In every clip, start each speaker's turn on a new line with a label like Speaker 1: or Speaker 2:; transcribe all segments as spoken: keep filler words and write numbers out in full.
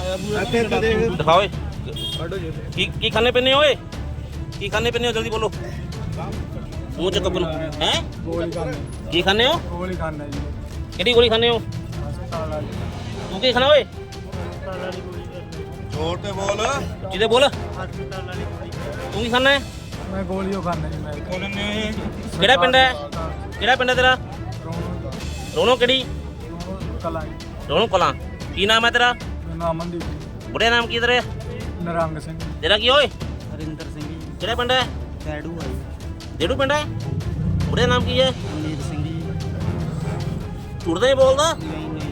Speaker 1: दिखाओ की की खाने पीने ओए की खाने पीने हो जल्दी बोलो मुंह चुक अपन हैं
Speaker 2: ਗੋਲੀ ਖਾਣੇ
Speaker 1: की खाने हो
Speaker 2: ਗੋਲੀ ਖਾਣੇ ਜੀ
Speaker 1: केड़ी गोली खाने हो
Speaker 2: ਹਸਪਤਾਲ ਵਾਲੀ
Speaker 1: तू की खाना ओए
Speaker 2: ਹਸਪਤਾਲ ਵਾਲੀ ਗੋਲੀ ਖਾਣੀ
Speaker 3: ਜ਼ੋਰ ਤੇ ਬੋਲ
Speaker 1: जिदे बोल
Speaker 2: ਹਸਪਤਾਲ ਵਾਲੀ ਗੋਲੀ ਖਾਣੀ
Speaker 1: तू की खाना है
Speaker 2: ਮੈਂ ਗੋਲੀਓ ਖਾਣਾ ਜੀ ਮੈਂ
Speaker 1: केड़ा पिंड है केड़ा पिंड है तेरा
Speaker 2: ਰੋਣੋ
Speaker 1: रोनो केड़ी
Speaker 2: ਰੋਣੋ ਕਲਾਂ ਜੀ।
Speaker 1: रोनो कलां की नाम है तेरा
Speaker 2: ਮੇਰਾ ਨਾਮ ਅਮਨਦੀਪ ਜੀ।
Speaker 1: बुढ़े नाम की तेरे
Speaker 2: ਨਿਰੰਗ ਸਿੰਘ ਜੀ।
Speaker 1: तेरा की ओए
Speaker 2: ਹਰਿੰਦਰ ਸਿੰਘ ਜੀ
Speaker 1: केड़ा पिंड है
Speaker 2: ਡੈਡੂ ਆ ਜੀ
Speaker 1: जेड़ू पिंड है बुढ़े नाम की है
Speaker 2: ਅਮੀਰ ਸਿੰਘ ਜੀ
Speaker 1: झूठ नहीं बोलदा
Speaker 2: ਨਹੀਂ ਨਹੀਂ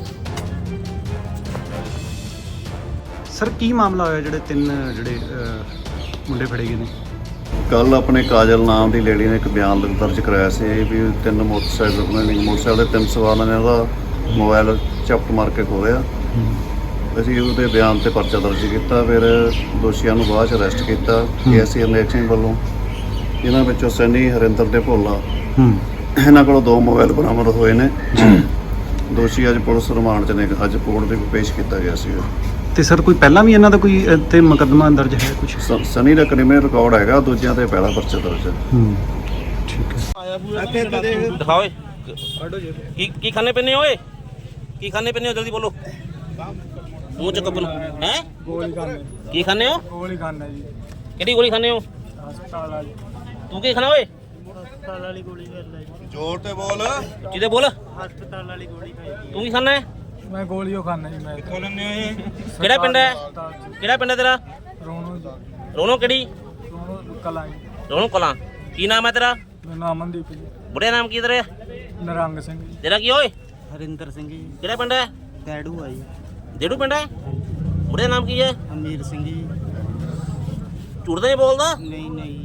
Speaker 4: ਸਰ ਕੀ ਮਾਮਲਾ ਹੋਇਆ ਜਿਹੜੇ ਤਿੰਨ ਜਿਹੜੇ ਅਹ, ਮੁੰਡੇ ਫੜੇ ਗਏ ਨੇ?
Speaker 3: ਕੱਲ ਆਪਣੇ ਕਾਜਲ ਨਾਮ ਦੀ ਲੇਡੀ ਨੇ ਇੱਕ ਬਿਆਨ ਦਰਜ ਕਰਾਇਆ ਸੀ ਵੀ ਤਿੰਨ ਮੋਟਰਸਾਈਕਲ ਉਹਨਾਂ ਨੇ ਮੋਟਰਸਾਈਕਲ ਦੇ ਤਿੰਨ ਸਵਾਰਾਂ ਨੇ ਉਹਦਾ ਮੋਬਾਈਲ ਚਪਟ ਮਾਰ ਕੇ ਖੋਲਿਆ। ਅਸੀਂ ਉਹਦੇ ਬਿਆਨ ਤੇ ਪਰਚਾ ਦਰਜ ਕੀਤਾ, ਫਿਰ ਦੋਸ਼ੀਆਂ ਨੂੰ ਬਾਅਦ ਚ ਅਰੈਸਟ ਕੀਤਾ ਕੇਐਸਸੀ ਅਨੇਕ ਸਿੰਘ ਵੱਲੋਂ। ਇਹਨਾਂ ਵਿੱਚੋਂ ਸੈਨੀ ਹਰਿੰਦਰ ਤੇ ਭੋਲਾ ਇਹਨਾਂ ਕੋਲੋਂ ਦੋ ਮੋਬਾਈਲ ਬਰਾਮਦ ਹੋਏ ਨੇ। ਦੋਸ਼ੀ ਅੱਜ ਪੁਲਿਸ ਰਿਮਾਂਡ 'ਚ ਨੇ, ਅੱਜ ਕੋਰਟ ਦੇ ਵਿੱਚ ਪੇਸ਼ ਕੀਤਾ ਗਿਆ ਸੀ।
Speaker 4: ਤੇ ਸਰ ਕੋਈ ਪਹਿਲਾਂ ਵੀ ਇਹਨਾਂ ਦਾ ਕੋਈ ਅਹ, ਤੇ ਮੁਕੱਦਮਾ ਦਰਜ ਹੈ ਕੁਝ?
Speaker 3: ਸ- ਸਨੀ ਦਾ ਕ੍ਰਿਮੀਨਲ ਰਿਕਾਰਡ ਹੈਗਾ, ਦੂਜਿਆਂ ਤੇ ਪਹਿਲਾ ਪਰਚਾ ਦਰਜ ਹੈ।
Speaker 4: ਹੂੰ ਠੀਕ ਹੈ।
Speaker 1: दिखाओ की की खाने पीने ओए की खाने पीने हो जल्दी बोलो मुंह चुक अपन हैं
Speaker 2: ਗੋਲੀ ਖਾਣੇ
Speaker 1: की खाने हो
Speaker 2: ਗੋਲੀ ਖਾਣਾ ਜੀ
Speaker 1: केड़ी गोली खाने हो
Speaker 2: ਹਸਪਤਾਲ ਵਾਲੀ
Speaker 1: तू की खाना ओए
Speaker 2: ਹਸਪਤਾਲ ਵਾਲੀ ਗੋਲੀ ਖਾਣਾ ਜੀ
Speaker 3: ਜ਼ੋਰ ਤੇ ਬੋਲ
Speaker 1: जिदे बोल
Speaker 2: ਹਸਪਤਾਲ ਵਾਲੀ ਗੋਲੀ ਖਾਈ
Speaker 1: तू की खाना है
Speaker 2: ਮੈਂ ਗੋਲੀਓ ਖਾਣਾ ਜੀ ਮੈਂ
Speaker 1: केड़ा पिंड है केड़ा पिंड है तेरा
Speaker 2: ਰੋਣੋ ਜੀ
Speaker 1: रोनो केड़ी
Speaker 2: ਰੋਣੋ ਕਲਾਂ ਜੀ।
Speaker 1: रोनो कलां की नाम है तेरा
Speaker 2: ਮੇਰਾ ਨਾਮ ਅਮਨਦੀਪ ਜੀ।
Speaker 1: बुढ़े नाम की तेरे
Speaker 2: ਨਿਰੰਗ ਸਿੰਘ ਜੀ
Speaker 1: तेरा की ओए
Speaker 2: ਹਰਿੰਦਰ ਸਿੰਘ ਜੀ
Speaker 1: केड़ा पिंड है
Speaker 2: ਡੈਡੂ ਆ ਜੀ
Speaker 1: जेड़ू पिंड है बुढ़े नाम की है
Speaker 2: ਅਮੀਰ ਸਿੰਘ ਜੀ
Speaker 1: झूठ नहीं बोलदा
Speaker 2: ਨਹੀਂ ਨਹੀਂ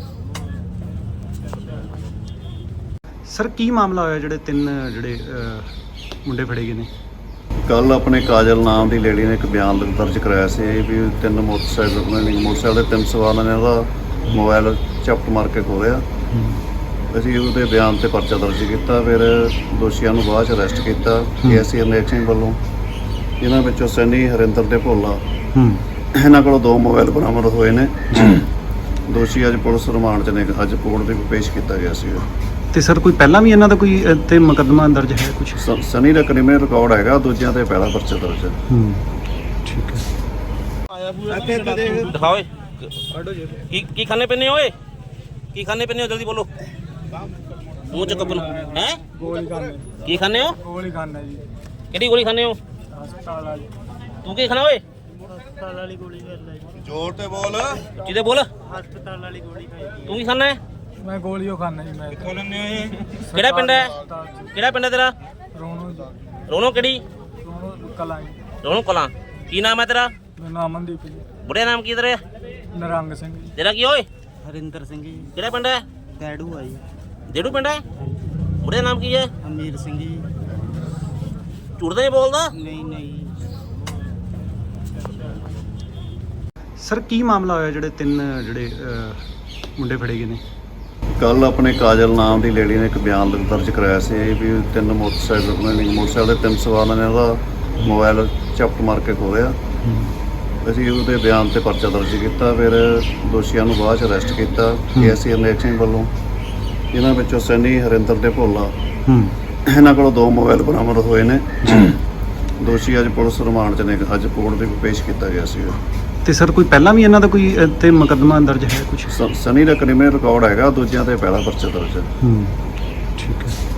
Speaker 4: ਸਰ ਕੀ ਮਾਮਲਾ ਹੋਇਆ ਜਿਹੜੇ ਤਿੰਨ ਜਿਹੜੇ ਅਹ, ਮੁੰਡੇ ਫੜੇ ਗਏ ਨੇ?
Speaker 3: ਕੱਲ ਆਪਣੇ ਕਾਜਲ ਨਾਮ ਦੀ ਲੇਡੀ ਨੇ ਇੱਕ ਬਿਆਨ ਦਰਜ ਕਰਾਇਆ ਸੀ ਵੀ ਤਿੰਨ ਮੋਟਰਸਾਈਕਲ ਉਹਨਾਂ ਨੇ ਮੋਟਰਸਾਈਕਲ ਦੇ ਤਿੰਨ ਸਵਾਰਾਂ ਨੇ ਉਹਦਾ ਮੋਬਾਈਲ ਚਪਟ ਮਾਰ ਕੇ ਖੋਲਿਆ। ਅਸੀਂ ਉਹਦੇ ਬਿਆਨ ਤੇ ਪਰਚਾ ਦਰਜ ਕੀਤਾ, ਫਿਰ ਦੋਸ਼ੀਆਂ ਨੂੰ ਬਾਅਦ ਚ ਅਰੈਸਟ ਕੀਤਾ ਕੇਐਸਸੀ ਅਨੇਕ ਸਿੰਘ ਵੱਲੋਂ। ਇਹਨਾਂ ਵਿੱਚੋਂ ਸੈਨੀ ਹਰਿੰਦਰ ਤੇ ਭੋਲਾ ਇਹਨਾਂ ਕੋਲੋਂ ਦੋ ਮੋਬਾਈਲ ਬਰਾਮਦ ਹੋਏ ਨੇ। ਦੋਸ਼ੀ ਅੱਜ ਪੁਲਿਸ ਰਿਮਾਂਡ 'ਚ ਨੇ, ਅੱਜ ਕੋਰਟ ਦੇ ਵਿੱਚ ਪੇਸ਼ ਕੀਤਾ ਗਿਆ ਸੀ।
Speaker 4: ਤੇ ਸਰ ਕੋਈ ਪਹਿਲਾਂ ਵੀ ਇਹਨਾਂ ਦਾ ਕੋਈ ਅਹ, ਤੇ ਮੁਕੱਦਮਾ ਦਰਜ ਹੈ ਕੁਝ?
Speaker 3: ਸ- ਸਨੀ ਦਾ ਕ੍ਰਿਮੀਨਲ ਰਿਕਾਰਡ ਹੈਗਾ, ਦੂਜਿਆਂ ਤੇ ਪਹਿਲਾ ਪਰਚਾ ਦਰਜ ਹੈ।
Speaker 4: ਹੂੰ ਠੀਕ ਹੈ।
Speaker 1: दिखाओ की की खाने पीने ओए की खाने पीने हो जल्दी बोलो मुंह चुक अपन हैं
Speaker 2: ਗੋਲੀ ਖਾਣੇ
Speaker 1: की खाने हो
Speaker 2: ਗੋਲੀ ਖਾਣਾ ਜੀ
Speaker 1: केड़ी गोली खाने हो
Speaker 2: ਹਸਪਤਾਲ ਵਾਲੀ
Speaker 1: तू की खाना ओए
Speaker 2: ਹਸਪਤਾਲ ਵਾਲੀ ਗੋਲੀ ਖਾਣਾ ਜੀ
Speaker 3: ਜ਼ੋਰ ਤੇ ਬੋਲ
Speaker 1: जिदे बोल
Speaker 2: ਹਸਪਤਾਲ ਵਾਲੀ ਗੋਲੀ ਖਾਈ
Speaker 1: तू की खाना है
Speaker 2: ਮੈਂ ਗੋਲੀਓ ਖਾਣਾ ਜੀ ਮੈਂ
Speaker 1: केड़ा पिंड है केड़ा पिंड है तेरा
Speaker 2: ਰੋਣੋ ਜੀ
Speaker 1: रोनो केड़ी
Speaker 2: ਰੋਣੋ ਕਲਾਂ ਜੀ।
Speaker 1: रोनो कलां की नाम है तेरा
Speaker 2: ਮੇਰਾ ਨਾਮ ਅਮਨਦੀਪ ਜੀ।
Speaker 1: बुढ़े नाम की तेरे
Speaker 2: ਨਿਰੰਗ ਸਿੰਘ ਜੀ
Speaker 1: तेरा की ओए
Speaker 2: ਹਰਿੰਦਰ ਸਿੰਘ ਜੀ
Speaker 1: केड़ा पिंड है
Speaker 2: ਡੈਡੂ ਆ ਜੀ
Speaker 1: जेड़ू पिंड है बुढ़े नाम की है
Speaker 2: ਅਮੀਰ ਸਿੰਘ ਜੀ
Speaker 1: झूठ नहीं बोलदा
Speaker 2: ਨਹੀਂ ਨਹੀਂ
Speaker 4: ਸਰ ਕੀ ਮਾਮਲਾ ਹੋਇਆ ਜਿਹੜੇ ਤਿੰਨ ਜਿਹੜੇ ਅਹ, ਮੁੰਡੇ ਫੜੇ ਗਏ ਨੇ?
Speaker 3: ਕੱਲ ਆਪਣੇ ਕਾਜਲ ਨਾਮ ਦੀ ਲੇਡੀ ਨੇ ਇੱਕ ਬਿਆਨ ਦਰਜ ਕਰਾਇਆ ਸੀ ਵੀ ਤਿੰਨ ਮੋਟਰਸਾਈਕਲ ਉਹਨਾਂ ਨੇ ਮੋਟਰਸਾਈਕਲ ਦੇ ਤਿੰਨ ਸਵਾਰਾਂ ਨੇ ਉਹਦਾ ਮੋਬਾਈਲ ਚਪਟ ਮਾਰ ਕੇ ਖੋਲਿਆ। ਅਸੀਂ ਉਹਦੇ ਬਿਆਨ ਤੇ ਪਰਚਾ ਦਰਜ ਕੀਤਾ, ਫਿਰ ਦੋਸ਼ੀਆਂ ਨੂੰ ਬਾਅਦ ਚ ਅਰੈਸਟ ਕੀਤਾ ਕੇਐਸਸੀ ਅਨੇਕ ਸਿੰਘ ਵੱਲੋਂ। ਇਹਨਾਂ ਵਿੱਚੋਂ ਸੈਨੀ ਹਰਿੰਦਰ ਤੇ ਭੋਲਾ ਇਹਨਾਂ ਕੋਲੋਂ ਦੋ ਮੋਬਾਈਲ ਬਰਾਮਦ ਹੋਏ ਨੇ। ਦੋਸ਼ੀ ਅੱਜ ਪੁਲਿਸ ਰਿਮਾਂਡ 'ਚ ਨੇ, ਅੱਜ ਕੋਰਟ ਦੇ ਵਿੱਚ ਪੇਸ਼ ਕੀਤਾ ਗਿਆ ਸੀ।
Speaker 4: ਤੇ ਸਰ ਕੋਈ ਪਹਿਲਾਂ ਵੀ ਇਹਨਾਂ ਦਾ ਕੋਈ ਅਹ, ਤੇ ਮੁਕੱਦਮਾ ਦਰਜ ਹੈ ਕੁਝ?
Speaker 3: ਸ- ਸਨੀ ਦਾ ਕ੍ਰਿਮੀਨਲ ਰਿਕਾਰਡ ਹੈਗਾ, ਦੂਜਿਆਂ ਤੇ ਪਹਿਲਾ ਪਰਚਾ ਦਰਜ ਹੈ।
Speaker 4: ਹੂੰ ਠੀਕ ਹੈ।